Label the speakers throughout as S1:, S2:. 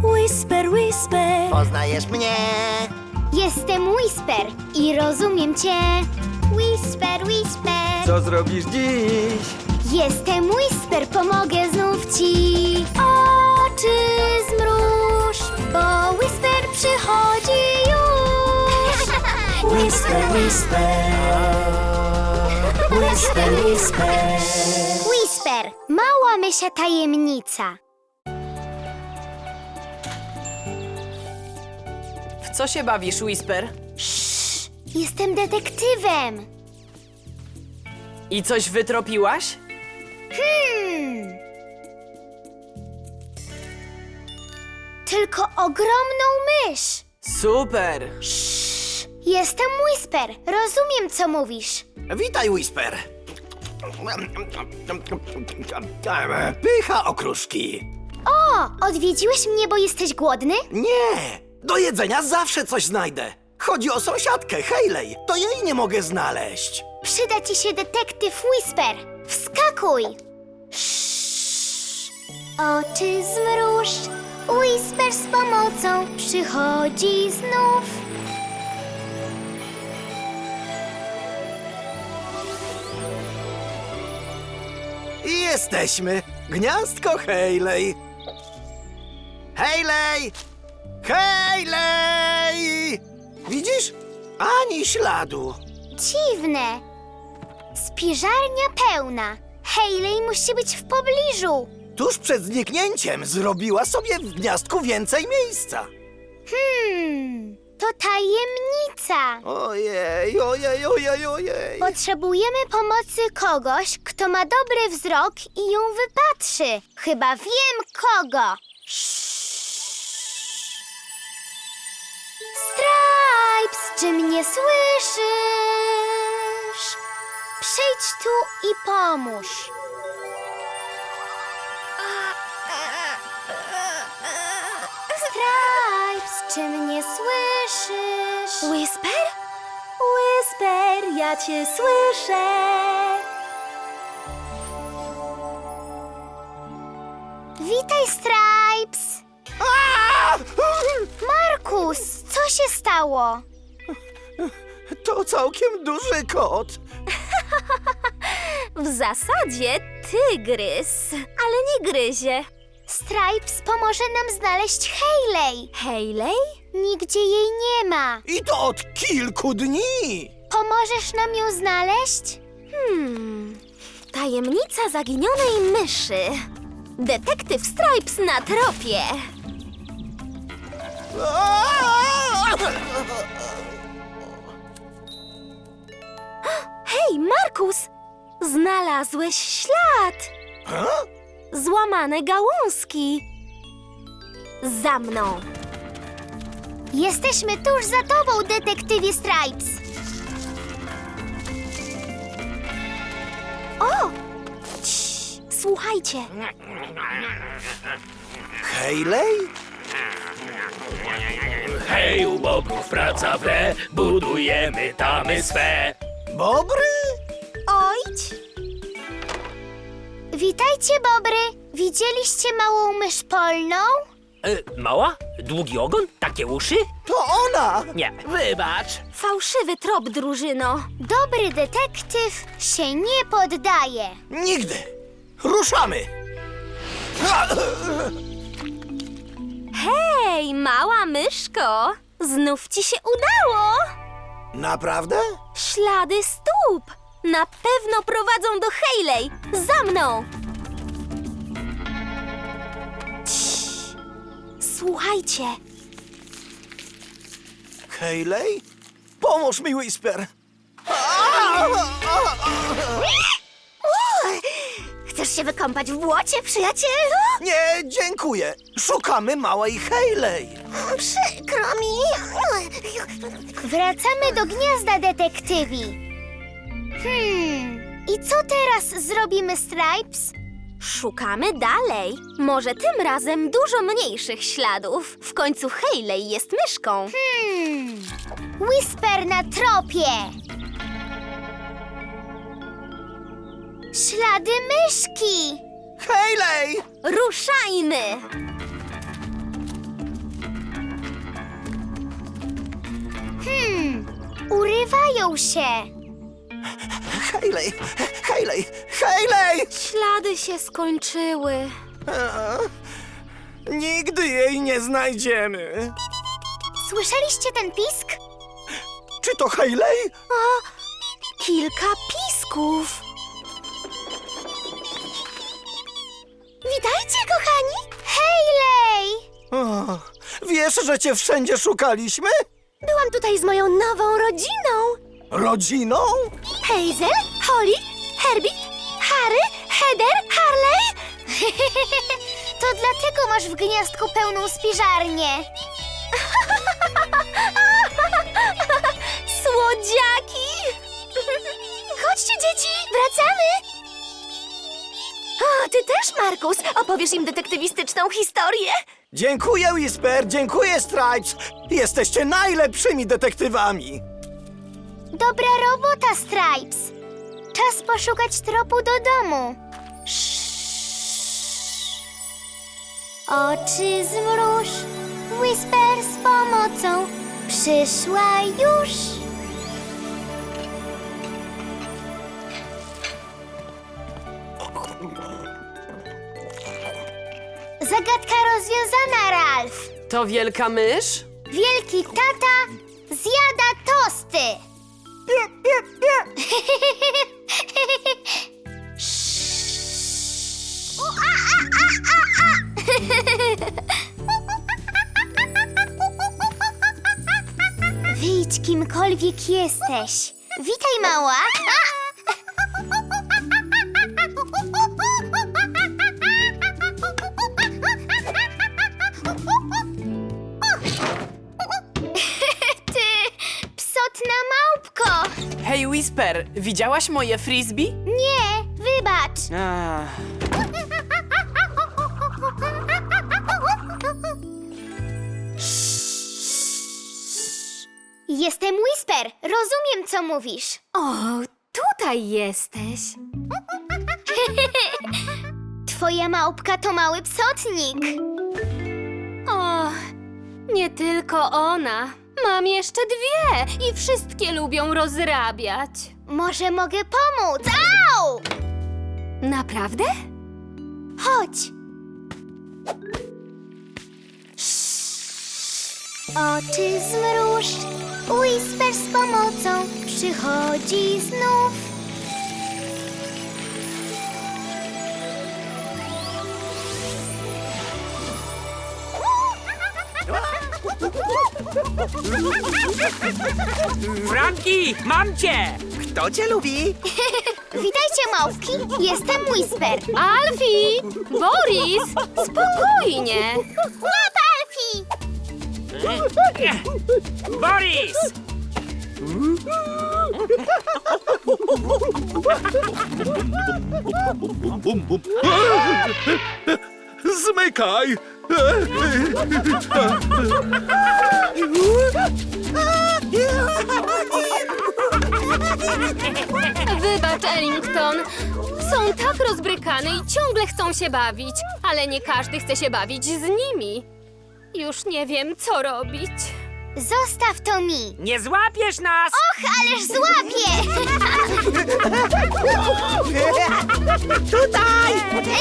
S1: Whisper, whisper.
S2: Poznajesz mnie?
S3: Jestem Whisper i rozumiem cię. Whisper, whisper.
S4: Co zrobisz dziś?
S3: Jestem Whisper, pomogę znów ci. Oczy zmruż, bo Whisper przychodzi już.
S1: Whisper, whisper. Whisper, whisper.
S3: Whisper, mała mysia tajemnica.
S5: W co się bawisz, Whisper?
S3: Jestem detektywem.
S5: I coś wytropiłaś?
S3: Tylko ogromną mysz.
S5: Super!
S3: Jestem Whisper, rozumiem co mówisz.
S2: Witaj, Whisper. Pycha okruszki.
S3: O, odwiedziłeś mnie, bo jesteś głodny?
S2: Nie, do jedzenia zawsze coś znajdę. Chodzi o sąsiadkę, Hayley. To jej nie mogę znaleźć.
S3: Przyda ci się detektyw Whisper. Wskakuj! Oczy zmruż, Whisper z pomocą przychodzi znów.
S2: I jesteśmy. Gniazdko Hayley. Hayley! Hayley! Widzisz? Ani śladu.
S3: Dziwne. Spiżarnia pełna. Hayley musi być w pobliżu.
S2: Tuż przed zniknięciem zrobiła sobie w gniazdku więcej miejsca.
S3: To tajemnica.
S2: Ojej, ojej, ojej, ojej.
S3: Potrzebujemy pomocy kogoś, kto ma dobry wzrok i ją wypatrzy. Chyba wiem kogo. Stripes, czy mnie słyszysz? Przyjdź tu i pomóż. Stripes, czy mnie słyszysz?
S1: Whisper? Whisper, ja cię słyszę.
S3: Witaj, Stripes! Markus, co się stało?
S2: To całkiem duży kot.
S1: W zasadzie tygrys, ale nie gryzie.
S3: Stripes pomoże nam znaleźć Hayley.
S1: Hayley?
S3: Nigdzie jej nie ma.
S2: I to od kilku dni.
S3: Pomożesz nam ją znaleźć?
S1: Tajemnica zaginionej myszy. Detektyw Stripes na tropie. Hej, Markus! Znalazłeś ślad! Złamane gałązki. Za mną.
S3: Jesteśmy tuż za tobą, detektywie Stripes.
S1: O! Cii, słuchajcie.
S2: Hayley?
S6: Hej, u bogów praca wre, budujemy tamy swe.
S2: Bobry?
S1: Ojdź!
S3: Witajcie, Bobry. Widzieliście małą mysz polną?
S6: Mała? Długi ogon? Takie uszy?
S2: To ona!
S6: Nie, wybacz.
S1: Fałszywy trop, drużyno.
S3: Dobry detektyw się nie poddaje.
S2: Nigdy! Ruszamy!
S1: Hej, mała myszko! Znów ci się udało!
S2: Naprawdę?
S1: Ślady stóp! Na pewno prowadzą do Hayley! Za mną! Cii. Słuchajcie,
S2: Hayley? Pomóż mi, Whisper!
S1: chcesz się wykąpać w błocie, przyjacielu?
S2: Nie, dziękuję. Szukamy małej Hayley.
S3: Przykro mi. Wracamy do gniazda, detektywi. I co teraz zrobimy, Stripes?
S1: Szukamy dalej. Może tym razem dużo mniejszych śladów. W końcu Hayley jest myszką.
S3: Whisper na tropie. Ślady myszki.
S2: Hayley!
S1: Ruszajmy!
S3: Zepsuł się.
S2: Hayley! Hayley! Hayley!
S1: Ślady się skończyły.
S2: Nigdy jej nie znajdziemy.
S3: Słyszeliście ten pisk?
S2: Czy to Hayley?
S1: Kilka pisków.
S3: Witajcie, kochani! Hayley!
S2: O, wiesz, że cię wszędzie szukaliśmy?
S3: Byłam tutaj z moją nową rodziną.
S2: Rodziną?
S3: Hazel, Holly, Herbie, Harry, Heather, Harley. To dlatego masz w gniazdku pełną spiżarnię.
S1: Słodziaki!
S3: Chodźcie, dzieci, wracamy.
S1: O, ty też, Markus, opowiesz im detektywistyczną historię.
S2: Dziękuję, Whisper, dziękuję, Stripes. Jesteście najlepszymi detektywami.
S3: Dobra robota, Stripes. Czas poszukać tropu do domu. Oczy zmruż, Whisper z pomocą przyszła już. Zagadka rozwiązana, Ralph.
S5: To wielka mysz?
S3: Wielki tata zjada tosty. Wyjdź, kimkolwiek jesteś. Witaj, mała. Ty, psotna małpko.
S5: Hej, Whisper, widziałaś moje frisbee?
S3: Nie, wybacz. Jestem Whisper. Rozumiem, co mówisz.
S1: O, tutaj jesteś.
S3: Twoja małpka to mały psotnik.
S1: O, nie tylko ona. Mam jeszcze dwie i wszystkie lubią rozrabiać.
S3: Może mogę pomóc? Au!
S1: Naprawdę?
S3: Chodź. Oczy zmruż, Whisper z pomocą przychodzi znów.
S6: Franki, mam cię!
S2: Kto cię lubi?
S3: Witajcie, małpki. Jestem Whisper.
S1: Alfie! Boris! Spokojnie!
S3: Łap, Alfie!
S6: Boris!
S4: Zmykaj!
S1: Wybacz, Ellington. Są tak rozbrykane i ciągle chcą się bawić, ale nie każdy chce się bawić z nimi. Już nie wiem, co robić.
S3: Zostaw to mi.
S6: Nie złapiesz nas!
S3: Och, ależ złapię!
S2: Tutaj!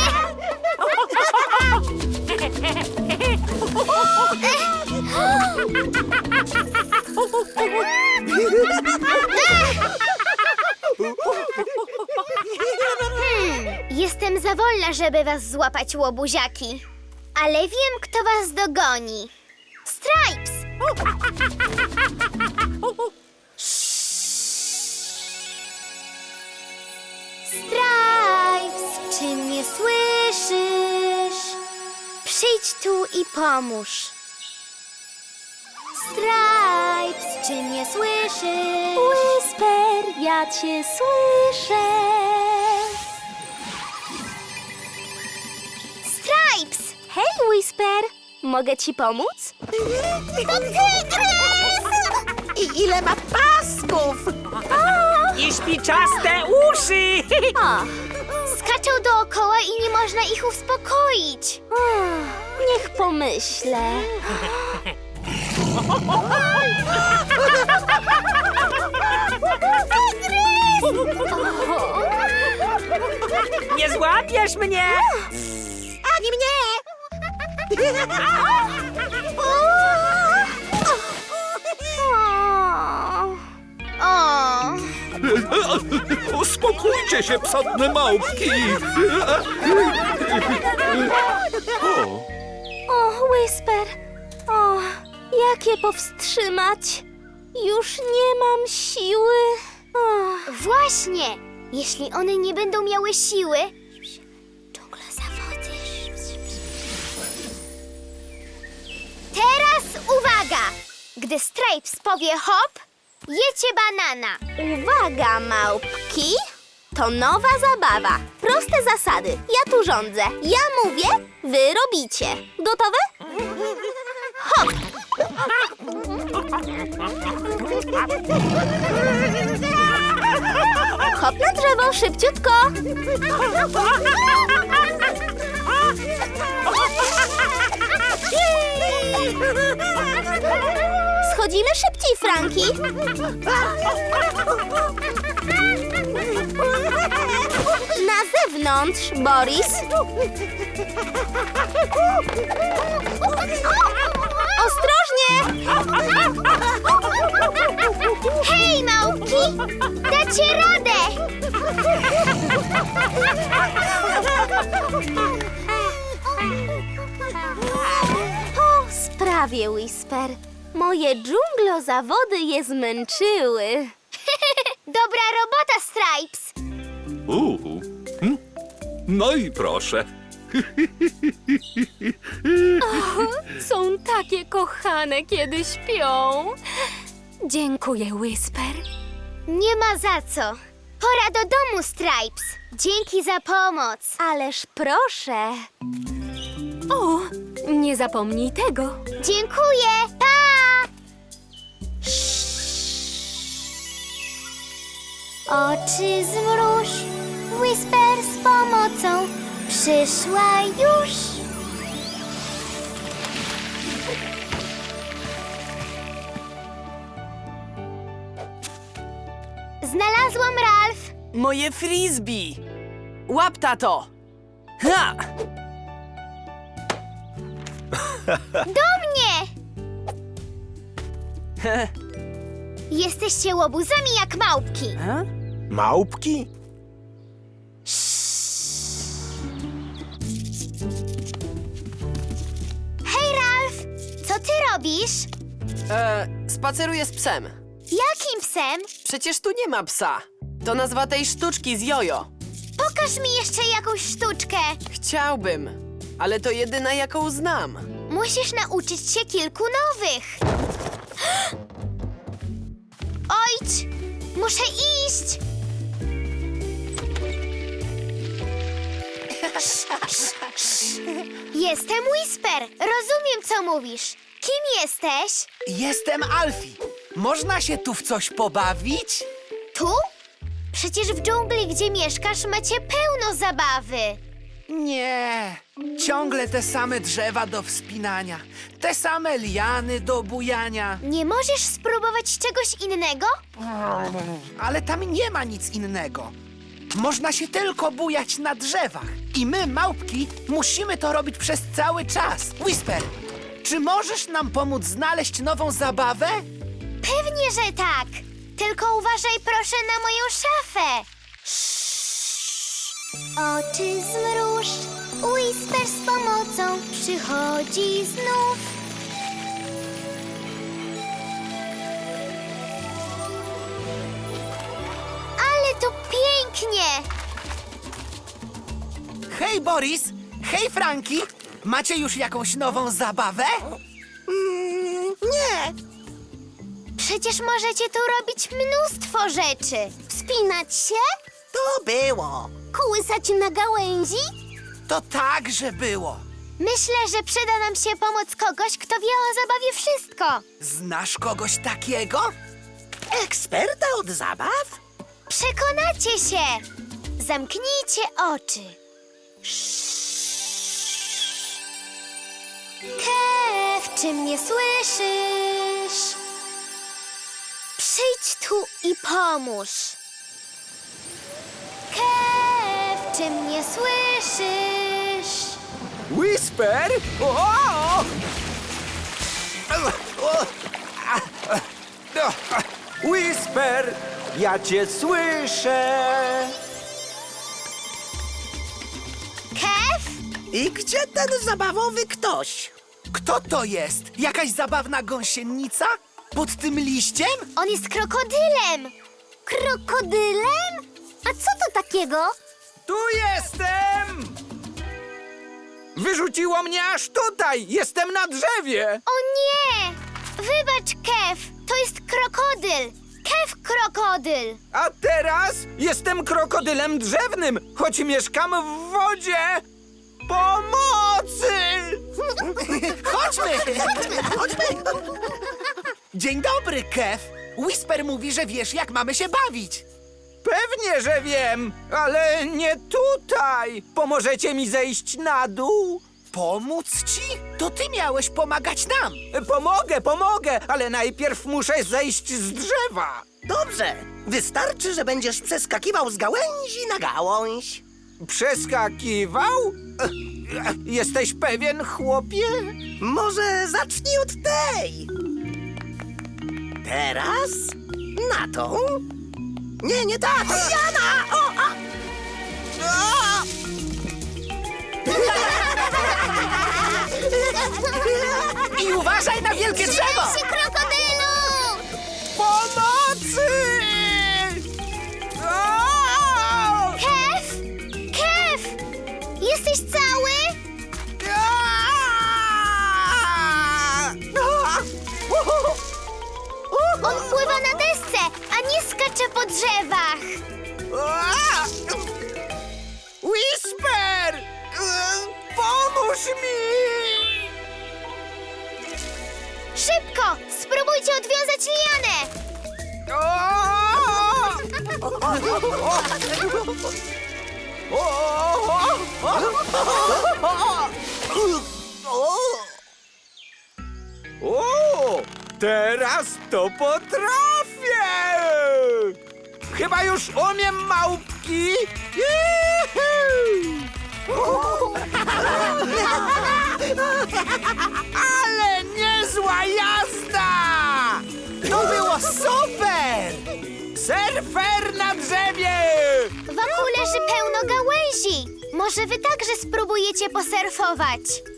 S3: Jestem za wolna, żeby was złapać, łobuziaki. Ale wiem, kto was dogoni. Stripes! Stripes, czy mnie słyszysz? Przyjdź tu i pomóż. Stripes, czy mnie słyszysz?
S1: Whisper, ja cię słyszę.
S3: Stripes!
S1: Hej, Whisper, mogę ci pomóc?
S3: To tygrys!
S2: I ile ma pasków?
S6: I śpiczaste uszy!
S1: O,
S3: Skaczą dookoła i nie można ich uspokoić.
S1: niech pomyślę.
S7: Nie złapiesz mnie!
S3: Ani mnie! O!
S4: Uspokójcie się, psotne małpki!
S3: O, Whisper! O, jak je powstrzymać? Już nie mam siły. Właśnie! Jeśli one nie będą miały siły... Dżungla zawody. Teraz uwaga! Gdy Stripes powie hop, jecie banana.
S8: Uwaga, małpki! To nowa zabawa. Proste zasady. Ja tu rządzę. Ja mówię, wy robicie. Gotowe? Hop! Hop na drzewo, szybciutko! Schodzimy szybciej, Franki! Na zewnątrz, Boris! Ostrożnie!
S3: Hej, małpki! Dacie radę!
S8: Po sprawie, Whisper. Moje dżunglozawody je zmęczyły.
S3: Dobra robota, Stripes!
S4: No i proszę.
S1: Są takie kochane, kiedy śpią. Dziękuję, Whisper.
S3: Nie ma za co. Pora do domu, Stripes. Dzięki za pomoc.
S8: Ależ proszę.
S1: O, nie zapomnij tego.
S3: Dziękuję. Pa! Oczy zmruż, Whisper z pomocą przyszła już. Znalazłam, Ralph.
S5: Moje frisbee! Łap, tato! Ha!
S3: Do mnie! Jesteście łobuzami jak małpki.
S2: Małpki?
S3: Hej, Ralph! Co ty robisz?
S5: Spaceruję z psem.
S3: Jakim psem?
S5: Przecież tu nie ma psa. To nazwa tej sztuczki z jojo.
S3: Pokaż mi jeszcze jakąś sztuczkę.
S5: Chciałbym, ale to jedyna, jaką znam.
S3: Musisz nauczyć się kilku nowych. Ojcz! Muszę iść! Jestem Whisper. Rozumiem, co mówisz. Kim jesteś?
S2: Jestem Alfie. Można się tu w coś pobawić?
S3: Tu? Przecież w dżungli, gdzie mieszkasz, macie pełno zabawy.
S2: Nie. Ciągle te same drzewa do wspinania. Te same liany do bujania.
S3: Nie możesz spróbować czegoś innego?
S2: Ale tam nie ma nic innego. Można się tylko bujać na drzewach. I my, małpki, musimy to robić przez cały czas. Whisper, czy możesz nam pomóc znaleźć nową zabawę?
S3: Pewnie, że tak. Tylko uważaj proszę na moją szafę. Oczy zmruż, Whisper z pomocą przychodzi znów. Ale to pięknie!
S2: Hej, Boris! Hej, Franki! Macie już jakąś nową zabawę? Nie.
S3: Przecież możecie tu robić mnóstwo rzeczy. Wspinać się?
S8: To było. Kołysać na gałęzi?
S2: To także było.
S3: Myślę, że przyda nam się pomoc kogoś, kto wie o zabawie wszystko.
S2: Znasz kogoś takiego? Eksperta od zabaw?
S3: Przekonacie się! Zamknijcie oczy. Kev, czy mnie słyszysz? Przyjdź tu i pomóż. Kev, czy mnie słyszysz?
S2: Whisper? Whisper, ja cię słyszę.
S3: Kev?
S7: I gdzie ten zabawowy ktoś?
S2: Kto to jest? Jakaś zabawna gąsienica? Pod tym liściem?
S3: On jest krokodylem. Krokodylem? A co to takiego?
S2: Tu jestem! Wyrzuciło mnie aż tutaj! Jestem na drzewie!
S3: O nie! Wybacz, Kev. To jest krokodyl. Kev krokodyl.
S2: A teraz jestem krokodylem drzewnym, choć mieszkam w wodzie! Pomocy! Chodźmy! Dzień dobry, Kev. Whisper mówi, że wiesz, jak mamy się bawić. Pewnie, że wiem, ale nie tutaj. Pomożecie mi zejść na dół? Pomóc ci? To ty miałeś pomagać nam. Pomogę, ale najpierw muszę zejść z drzewa.
S7: Dobrze, wystarczy, że będziesz przeskakiwał z gałęzi na gałąź.
S2: Przeskakiwał? Jesteś pewien, chłopie?
S7: Może zacznij od tej. Teraz na tą. Nie ta, to Jana!
S2: I uważaj na wielkie drzewo!
S3: Trzymaj się, krokodylu!
S2: Pomocy! O!
S3: Kev? Kev! Jesteś cały? On pływa na desce, a nie skacze po drzewach.
S2: Whisper! Pomóż mi!
S3: Szybko! Spróbujcie odwiązać lianę!
S2: O, teraz to potrafię! Chyba już umiem małpki! Ale niezła jazda! To było super! Surfer na drzewie!
S3: Wokół leży pełno gałęzi. Może wy także spróbujecie posurfować.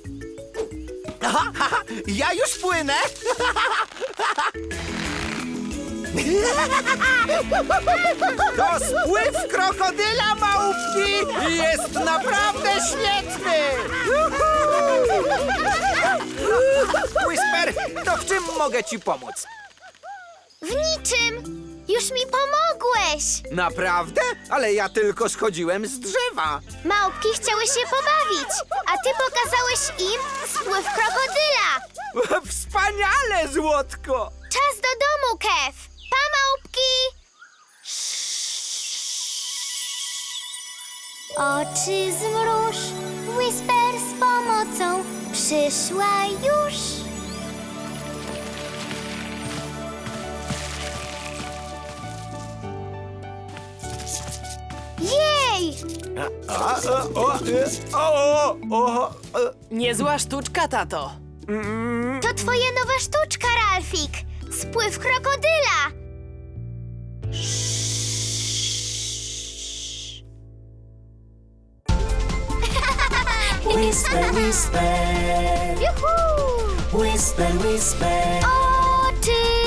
S2: Ja już płynę! To spływ krokodyla, małpki! I jest naprawdę świetny! Whisper, to w czym mogę ci pomóc?
S3: W niczym. Już mi pomogłeś.
S2: Naprawdę? Ale ja tylko schodziłem z drzewa.
S3: Małpki chciały się pobawić, a ty pokazałeś im spływ krokodyla.
S2: Wspaniale, złotko!
S3: Czas do domu, Kev. Pa, małpki! Oczy zmruż, Whisper z pomocą przyszła już. Jej!
S5: Niezła sztuczka, tato.
S3: To twoja nowa sztuczka, Ralfik. Spływ krokodyla.
S9: Whisper, whisper,
S3: Juhu!
S9: whisper, whisper.
S3: Oczy